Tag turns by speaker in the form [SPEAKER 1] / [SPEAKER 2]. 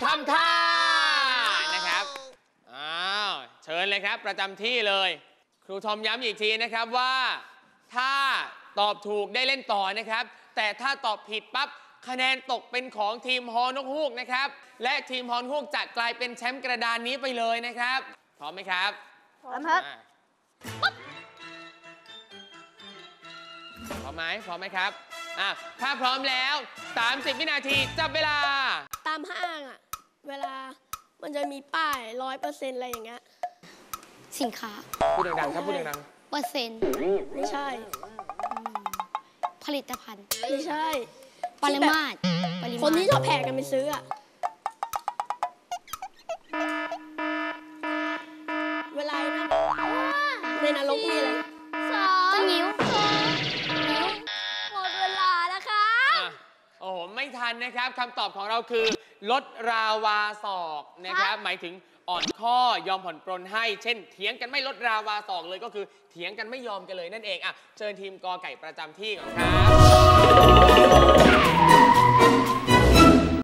[SPEAKER 1] ทำท่านะครับอ้าวเชิญเลยครับประจำที่เลยครูทอมย้ำอีกทีนะครับว่าถ้าตอบถูกได้เล่นต่อนะครับแต่ถ้าตอบผิดปั๊บคะแนนตกเป็นของทีมฮอนกฮูกนะครับและทีมฮอนกฮูกจะกลายเป็นแชมป์กระดานนี้ไปเลยนะครับพร้อมไหมครับ
[SPEAKER 2] พร้อมครับ
[SPEAKER 1] พร้อมไหมครับถ้าพร้อมแล้ว30วินาทีจับเวลา
[SPEAKER 2] ตามห้างอ่ะเวลามันจะมีป้าย100%อะไรอย่างเงี้ย
[SPEAKER 3] สินค้า
[SPEAKER 1] พูดดังๆครับพูดดัง
[SPEAKER 3] ๆเปอร์เซ็นต์
[SPEAKER 2] ไม่ใช่
[SPEAKER 3] ผลิตภัณฑ์
[SPEAKER 2] ไม่ใช่
[SPEAKER 3] ปริมาตร
[SPEAKER 2] คนที่ชอบแห่กันไปซื้ออ่ะเวลานั้นในนรกมีอะไร
[SPEAKER 3] 2 นิ้ว
[SPEAKER 2] หมดเวลาแล้วครับ
[SPEAKER 1] โอ้โหไม่ทันนะครับคำตอบของเราคือลดราวาศอกนะครับหมายถึงอ่อนข้อยอมผ่อนปรนให้เช่นเถียงกันไม่ลดราวาศอกเลยก็คือเถียงกันไม่ยอมกันเลยนั่นเองเชิญทีมกอไก่ประจำที่ก่อนครับ